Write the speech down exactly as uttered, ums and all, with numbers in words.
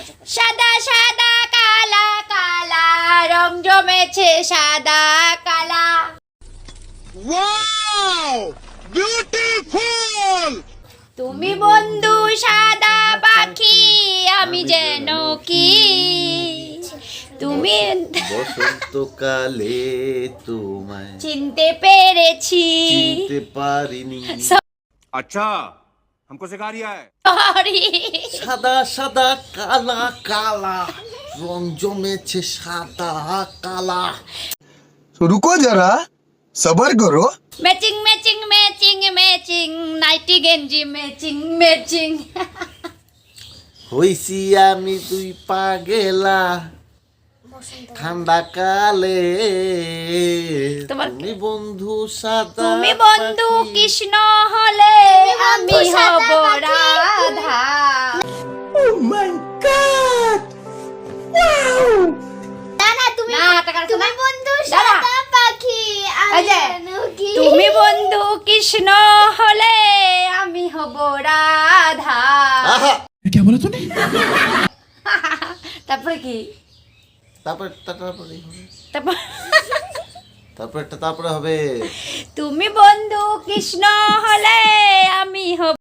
সাদা সাদা কালা কালা রং জমেছে সাদা কালা। Wow beautiful. তুমি বন্ধু সাদা পাখি আমি যেন কি, তুমি বসন্তকালে তোমায় চিনতে পেরেছি। চিনতে পারিনি। अच्छा हमको सिखा रिया है। সরি সাদা সাদা কালা কালা রং জমেছে সাদা কালা। तो रुको जरा सबर करो। Matching matching matching matching nighty গেঞ্জি ম্যাচিং ম্যাচিং। হইছি আমি তুই পাগেলা ঠান্ডা কালে। তোমার- তুমি বন্ধু সাদা তুমি বন্ধু পাখি। কৃষ্ণ হলে আমি হব রাধা। না না তুমি না, টাকা রাখো তুমি না। বন্ধু দাঁড়া। সাদা পাখি এই আমি যে, যেন কি। তুমি বন্ধু কৃষ্ণ হলে আমি হব রাধা। আহা! তারপরে কি? তারপর তারপরে হবে। তারপর তারপর একটা তারপরে হবে। তুমি বন্ধু কৃষ্ণ হলে আমি হব